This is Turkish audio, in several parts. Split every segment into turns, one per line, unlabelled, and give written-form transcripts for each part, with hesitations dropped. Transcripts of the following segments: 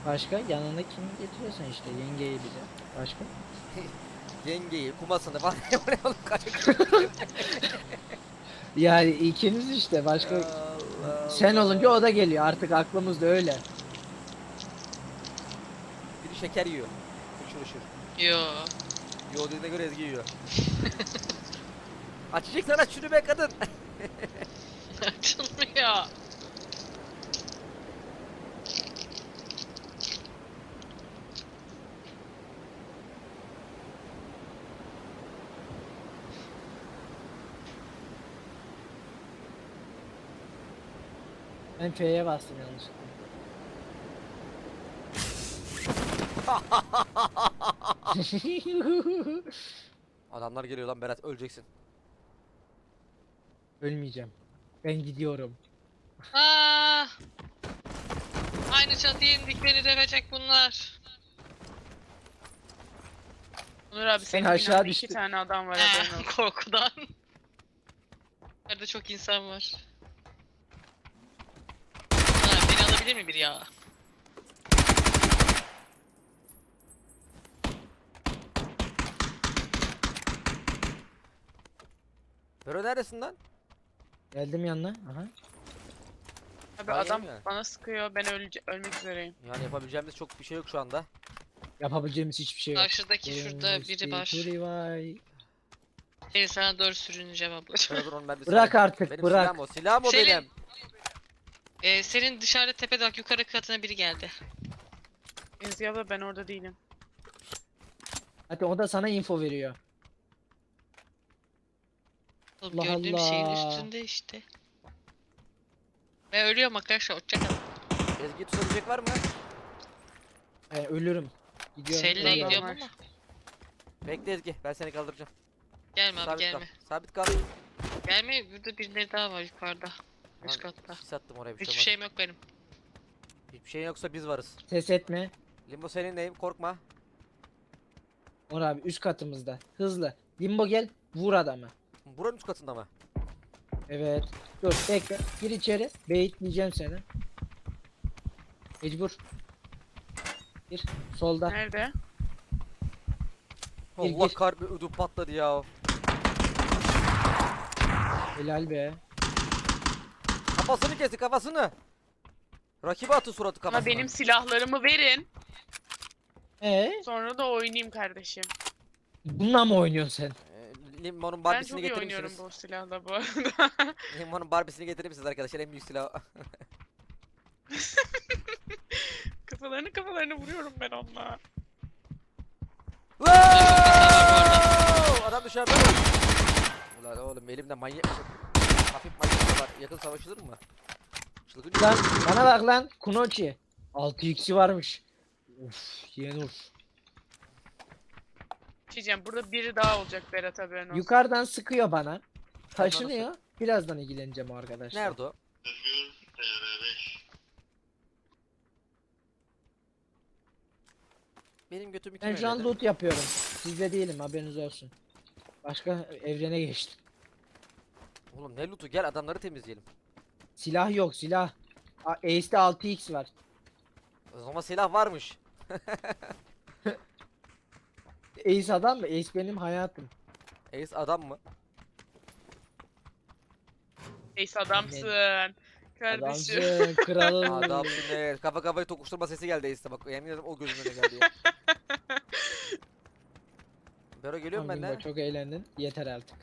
Başka yanına kimi getiriyorsan işte yengeyi bize. Başka?
Yengeyi, kumasını falan oraya alıp kaçak.
Yani ikiniz işte başka
Allah
sen olunca
Allah.
o da geliyor artık aklımızda öyle.
Biri şeker yiyor. Uçur uçur.
Yo.
Yo dediğine göre Ezgi yiyor. Açacaksan aç şunu be kadın.
Açılmıyor.
Ben F'ye bastım yanlışlıkla.
Adamlar geliyor lan Berat, öleceksin.
Ölmeyeceğim. Ben gidiyorum.
Aa! Aynı çatıya indik, beni dövecek bunlar.
Onur abi
Sen
senin
aşağı
binanda
düştün.
2 tane adam var haberin olsun.
Korkudan. Nerede çok insan var. Ha, beni alabilir mi biri ya?
Bero neredesin lan?
Geldim yanına. Aha.
Abi
Daha
adam
yeni mi?
bana sıkıyor, ben ölmek üzereyim.
Yani yapabileceğimiz çok bir şey yok şu anda.
Yapabileceğimiz hiçbir şey yok.
Karşıdaki şurada biri var.
Revive.
Seni sana doğru sürüneceğim ablacığım.
Bero dur onu ben bir
Bırak
sana.
artık,
Benim
bırak.
silahım o. Silahım o
Selin.
benim.
Senin dışarıda tepede bak, yukarı katına biri geldi.
Ezgi abla ben orada değilim.
Hadi o da sana info veriyor.
Oğlum,
Allah
gördüğüm şeyin
Allah.
üstünde işte. Ben ölüyorum arkadaşlar, hoşçakalın.
Ezgi tutabilecek var mı?
Ölürüm. Gidiyorum.
Selin'e
Adam
ölüyorum.
gidiyorum
var.
ama.
Bekle Ezgi, ben seni kaldıracağım.
Gelme abi,
Sabit
gelme.
kal. Sabit kal.
Gelme, burada birileri daha var yukarıda. Üst
Lan,
katta.
sis attım oraya, bir şey
Hiçbir
olmaz.
şeyim yok benim.
Hiçbir şey yoksa biz varız.
Ses etme.
Limbo seninleyim, korkma.
Onur abi üst katımızda. Hızlı. Limbo gel. Vur adamı.
Buranın üst katında mı?
Evet. Dur bekle. Gir içeri. Beyitleyeceğim seni. Mecbur. Gir. Solda.
Nerede?
Gir,
Allah
gir.
kalbi ödüm patladı ya.
Helal be.
Kafasını kesti, kafasını. Rakibe atın suratı kafasına.
Ama benim silahlarımı verin.
Sonra
Sonra da oynayayım kardeşim.
bununla mı oynuyorsun sen?
Limonun
Ben
Barbie'sini
çok iyi
getirir
oynuyorum
misiniz?
bu silahla bu arada.
Limonun Barbie'sini getirir misiniz arkadaşlar? En büyük silah.
Kafalarını vuruyorum ben onunla.
Wow! Adam dışarıda. Ulan oğlum elimde manyak. Hafif manyak var. Yakın savaşılır mı? Çılgın.
Lan bana bak lan. Kunochi. 6x'i varmış. Uf Yenur.
Diyeceğim burada biri daha olacak Berat haberin olsun.
Yukarıdan sıkıyor bana. Taşınıyor. Birazdan ilgileneceğim o arkadaşlar.
Nerede o? Benim götümü kim
Ben şu an
elledi?
loot yapıyorum. Sizde değilim haberiniz olsun. Başka evrene geçtim.
Oğlum ne lootu, gel adamları temizleyelim.
Silah yok silah. Ace'de 6x var.
O zaman silah varmış.
Ace adam mı? Ace benim hayatım.
Ace adam mı?
Neyse adamsın. Kardeşim.
Adamsın kralım.
Adamsın, evet. Kafa kafayı tokuşturma sesi geldi Ace'de, bak yemin ederim o gözümün önüne geldi ya. Bero geliyorum ben de.
Çok eğlendin. Yeter artık.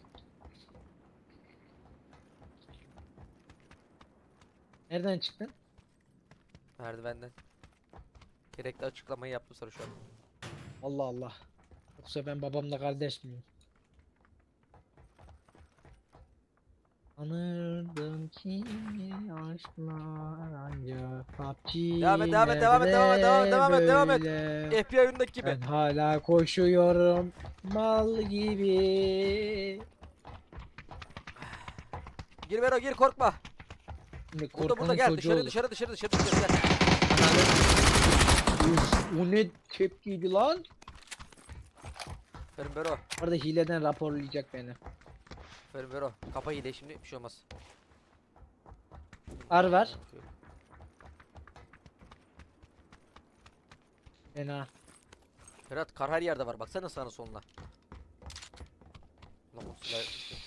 Nereden çıktın?
Merdivenden. Gerekli açıklamayı yaptım sana şu an.
Allah Allah. Yoksa ben babamla kardeş miyim? Anırdım ki aşklar ancak PUBG
Devam et, devam et, devam et, devam et, devam et, devam et.
böyle.
FBI oyundaki gibi.
Ben hala koşuyorum mal gibi.
Gir Bero, gir, korkma.
Şimdi
Burada
korkanın
gel,
çocuğu
dışarı
olur.
dışarı dışarı dışarı dışarı gel.
Uf, o ne tepkiydi lan?
Aferin Bero.
Orada hileden raporlayacak beni.
Aferin Bero. Kapa iyi de şimdi bir şey olmaz.
Var. Fena.
Berat kar her yerde var. Baksana sağına soluna. Lan bu silah-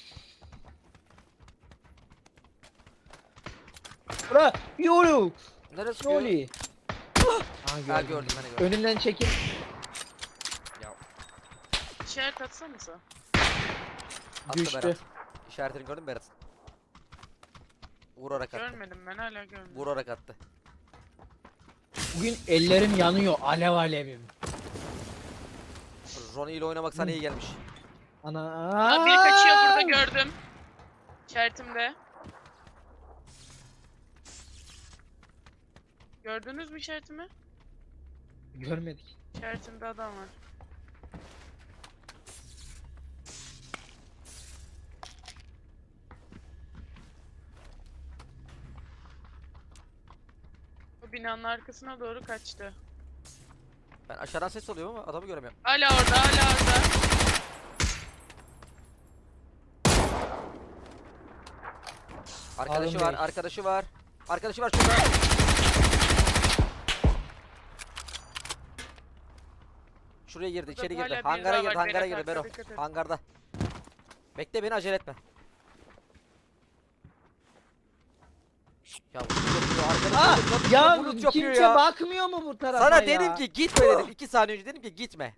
Bura yolu.
Neresi diyor?
Yolu.
Ha gördüm ben de gördüm.
Önümden çekil.
Ya
İşaret atsanıza.
attı
Düştü.
Berat. İşaretini gördün mü Berat? Vurarak attı.
Görmedim, ben hala görmedim.
Vurarak attı.
Bugün ellerim yanıyor. Alev alevim.
Ronnie ile oynamak sana iyi gelmiş.
Ana.
Aa, biri kaçıyor burada, gördüm. İşaretimde. Gördünüz mü işaretimi?
Görmedik.
İşaretimde adam var. O binanın arkasına doğru kaçtı.
Ben aşağıdan ses alıyorum ama adamı göremiyorum.
Hala orada, hala orada.
Arkadaşı
Harun
var,
Bey.
arkadaşı var. Arkadaşı var şurada. Şuraya girdi,
Burada
içeri
hala
girdi.
biri
Hangara
daha
girdi,
var,
hangara
Berat,
girdi Bero.
arkada dikkat et.
Hangarda. Bekle beni, acele etme. Ya bu yapıyor, arkadaşı
Aa,
bulut
ya
yapıyor, bulut yapıyor
kimse
ya.
bakmıyor mu bu tarafa
Sana
ya?
dedim ki gitme dedim. 2 saniye önce dedim ki gitme.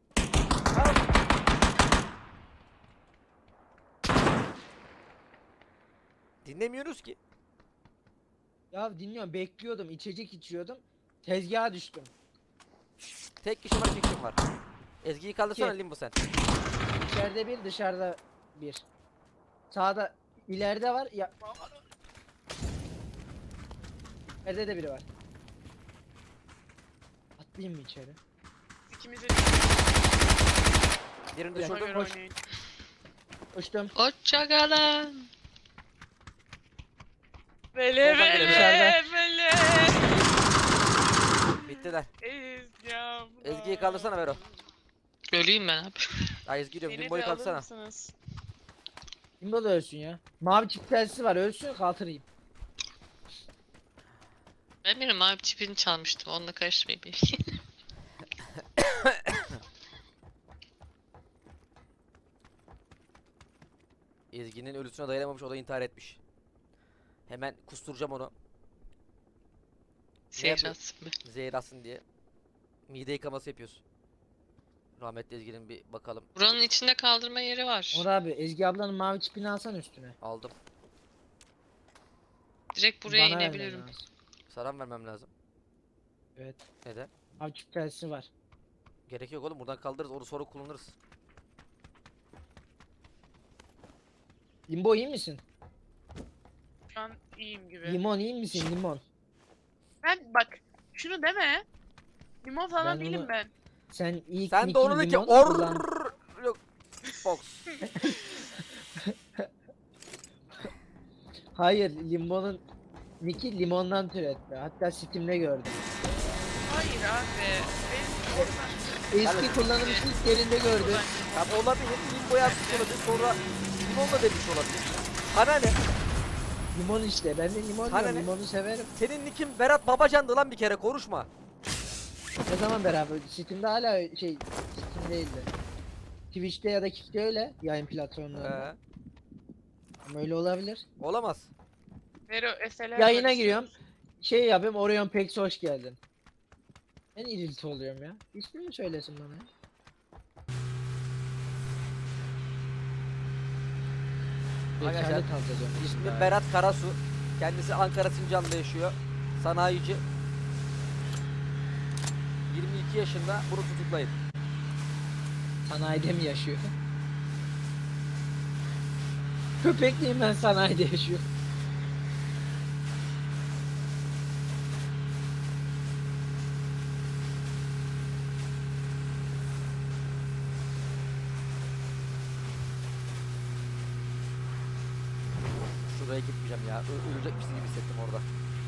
Dinlemiyoruz ki.
Ya dinliyorum, bekliyordum, içecek içiyordum. Tezgaha düştüm.
Tek kişi var, 2 kişi var. Ezgi'yi kaldırsana
İki.
Limbo sen.
İçeride bir, dışarıda bir. Sağda, ileride var. Ya. İleride de biri var. Atlayayım mı içeri?
İkimiz de
Birini
Bir dakika,
düşürdüm.
göre
koş.
oynayın.
Uçtum.
Hoşçakalın.
Vele
Soldan
vele
geliyor.
vele.
Bittiler.
Ezgi
Ezgi'yi kaldırsana Vero.
Öleyim ben abi.
Ay Ezgi diyorum,
Beni
Limbo'yu
de alır
kaldırsana.
mısınız?
Kimde da ölsün ya. Mavi çift telsiz var, ölsün kaldırayım.
Ben benim abi çipini çalmıştım. Onunla karıştırmayayım beni.
Ezgi'nin ölüsüne dayanamamış, o da intihar etmiş. Hemen kusturacağım onu.
Seyratsın be.
Zehir atsın diye. Mide yıkaması yapıyoruz. Rahmetli Ezgi'nin bir bakalım.
Buranın içinde kaldırma yeri var.
Onur abi, Ezgi ablanın mavi çipini alsan üstüne.
Aldım.
Direkt buraya
Bana vermen
inebilirim.
lazım.
Saran vermem lazım.
Evet.
Neden?
Mavi çift telsiz var.
Gerek yok oğlum, buradan kaldırırız, onu sonra kullanırız.
Limbo iyi misin?
Şu an iyiyim gibi.
Limon iyi misin limon?
Ben bak şunu deme. Limon falan
Ben
değilim
onu-
ben.
Sen ilk
Sen de
nickin
onu de ki
limon kullan.
Yok. Fox.
Hayır, limonun Nick'i limondan türetti. Hatta Steam'de gördüm.
Hayır abi. Benim oradan
Eski kullanılmış ilk yerinde gördüm.
Ya olabilir, Limbo yazmış olabilir, sonra Limon'la demiş olabilir. Ana ne?
Limon işte. Ben de limon
Sana
diyorum.
ne?
Limonu severim.
Senin nickin Berat Babacan'dı lan, bir kere konuşma.
Ne zaman beraber? Steam'de hala Steam değildi. Twitch'te ya da Kick'te öyle yayın platformlarında. Ama öyle olabilir.
Olamaz.
Vero eseler
Yayına
var
giriyorum.
istiyorsan.
Şey yapayım, Orion Pex hoş geldin. Ben irilti oluyorum ya. İsmini mi söylesin bana ya?
Arkadaşlar,
Rekabet alacağım.
İsmi Berat Karasu. Kendisi Ankara Sincan'da yaşıyor. Sanayici. 22 yaşında, bunu tutuklayın.
Sanayide mi yaşıyor? Köpekliyim ben, sanayide yaşıyor.
Şuraya gitmeyeceğim ya. Ölecekmişsin gibi hissettim orada.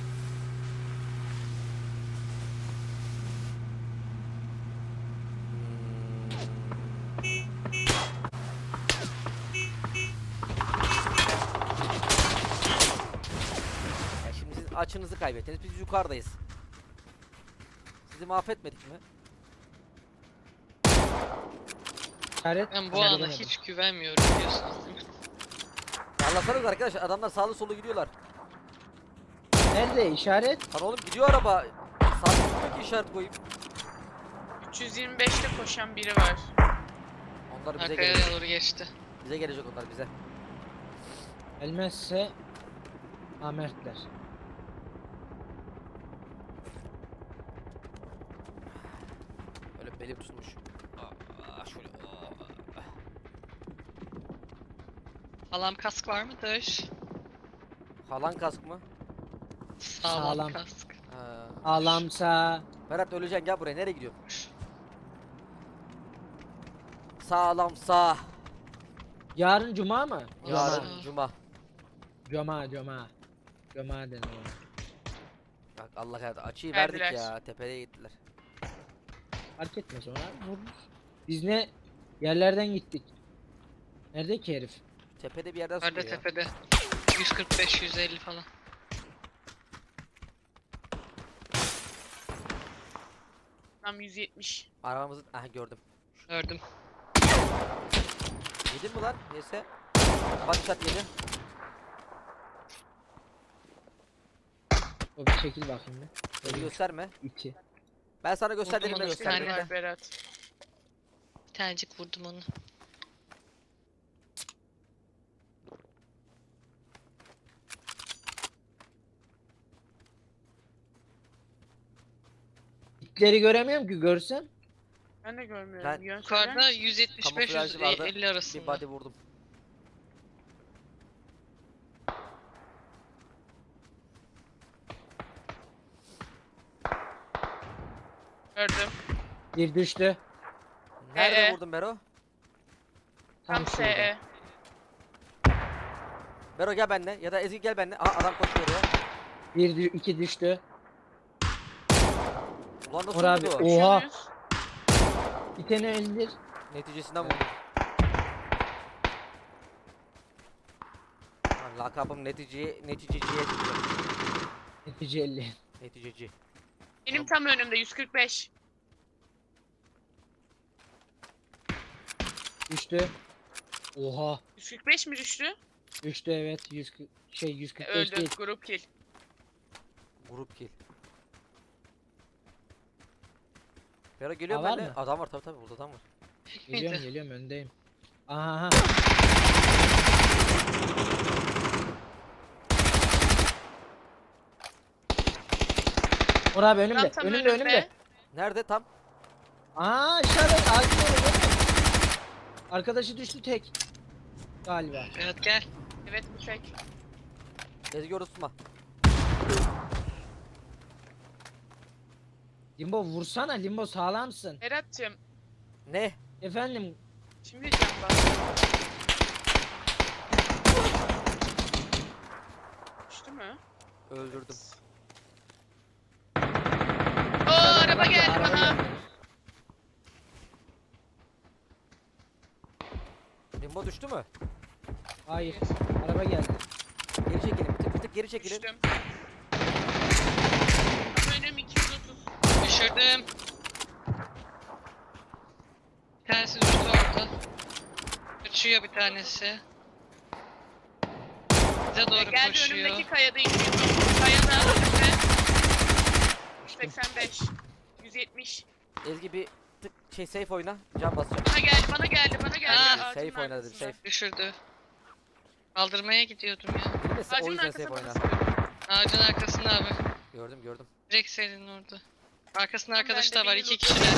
Ya şimdi siz açınızı kaybettiniz. Biz yukarıdayız. Sizi mahvetmedik mi?
İşaret.
Ben bu
Ama
ana
göremedim.
hiç güvenmiyorum biliyorsunuz değil mi?
Anlatsanız arkadaşlar, adamlar sağlı sollu gidiyorlar.
Nerede işaret?
Lan oğlum gidiyor araba. Sağ gitmiyor ki işaret koyayım.
325'te koşan biri var.
Onlar bize
Arkaya
gelecek.
doğru geçti.
Bize gelecek onlar bize.
Gelmezse Amertler.
Öyle belim tutmuş. Şöyle.
Sağlam kask var mıdır?
Halan kask mı?
Sağlam,
Sağlam.
kask.
Ha.
Ağlamsa
Berat öleceksin, gel buraya, nereye gidiyorsun? Sağlam sağ.
yarın cuma mı?
Yarın
Aa.
cuma.
Cuma denir ona.
Bak Allah hayatı açıyı
Verdiler.
verdik ya, tepeye gittiler.
Fark etmez ona. Vururuz. Biz ne yerlerden gittik. Nerede ki herif?
Tepede bir yerden
Nerede
sıkıyor ya.
tepede? 145 150 falan.
Tam 170.
Arabamızın, aha gördüm.
Gördüm.
Yedin mi lan? Yese. Bak shot yedi.
O bir çekil bakayım bir.
Beni gösterme.
İki.
Ben sana gösterdiğimde
onu,
göster.
bir
bekle.
tane
Var Berat.
Bir tanecik vurdum onu.
İtleri göremiyorum ki görsem.
Ben de görmüyorum.
Ben-
Yön söyler
Yukarıda
misin?
175
Kamuflajı vardı.
150
Bir
arasında.
body vurdum.
Gördüm.
Bir düştü.
Nerede vurdun Bero?
Tam
Tam
şurada.
SE.
Bero gel benimle ya da Ezgi gel benimle. Aha adam koşuyor oraya.
İki düştü.
Ulan nasıl
Or abi,
vurdu?
o-
Koşuyor
Oha.
muyuz?
Bir tane öldür.
Neticesinden vurdum. Lan lakabım neticeciye çıktı.
Netice 50.
Neticeci.
Benim tam önümde 145.
Düştü. Oha.
145 mi düştü?
Düştü evet. 145
Öldü.
değil.
Grup kill.
Grup kill. Bero geliyor
Aa, var
benimle.
mı?
Adam var tabii burada adam var.
Geliyorum
Miydi?
geliyorum öndeyim. Aha. Or abi önümde.
Tam
Önümde önümde.
Nerede tam?
Aa işaret ağacın orada. Arkadaşı düştü tek. Galiba.
Berat gel.
Evet bu tek.
Ezgi orası tutma.
Limbo vursana Limbo sağlamsın.
Berat'cığım.
Ne?
Efendim
Şimdi diyeceğim bak. Düştü mü?
Öldürdüm.
Oo araba geldi
araba
bana.
geldi.
Limbo düştü mü?
Hayır. Araba geldi.
Geri çekilin. Bir tık geri çekilin.
Düştüm. Tam önüm 230.
Düşürdüm. Bir tanesi düştü orada. Kaçıyor bir tanesi. Bize doğru
Geldi
koşuyor.
önümdeki kayada 230. Kayada önümde. 185. 170.
Ezgi bir tık safe oyna. Can basacağım.
Bana geldi.
Aa,
Ağacın
safe oyna dedim,
arkasında.
safe.
Düşürdü. Kaldırmaya gidiyordum ya.
Neyse, o
Ağacın
yüzden safe
arkasında
oyna.
bana
Ağacın arkasında abi.
Gördüm.
Direkt senin orada. Arkasında
Tamam,
arkadaşlar
ben de
var.
bir
2
loot
kişiler.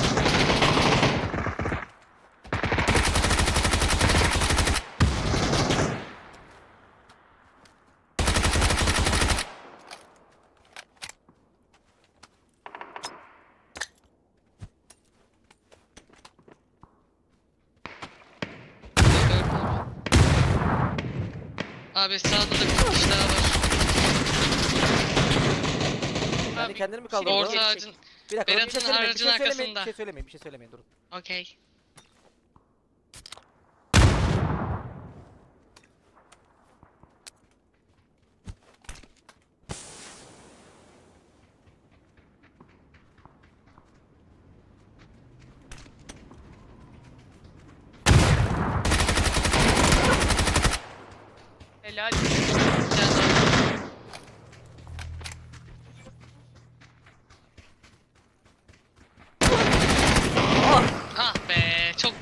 Abi sağda da bir kişi daha var.
Kendi
Abi,
kendini mi kaldı
şimdi
orada?
Orta ağacın.
Bir dakika dur, bir şey
Berat'ın
söylemeyin. Bir
aracın
şey söylemeyin.
arkasında.
Bir şey söylemeyin. Durun.
Okey.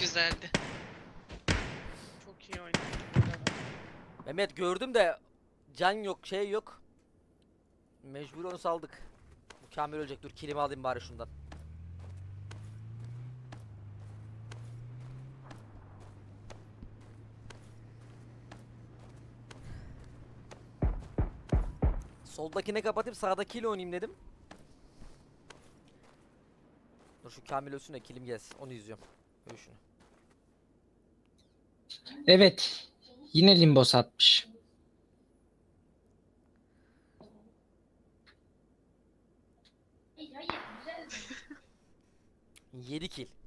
güzeldi.
Çok iyi oynadı. bu arada.
Mehmet gördüm de can yok, şey yok. Mecbur onu saldık. Bu Kamil ölecek. Dur kilimi alayım bari şundan. Soldakine kapatayım, sağdakiyle oynayayım dedim. Dur şu Kamil ölsün de kilim gelsin. Onu izliyorum. Öl şunu.
Evet. Yine limbo satmış.
7 kill.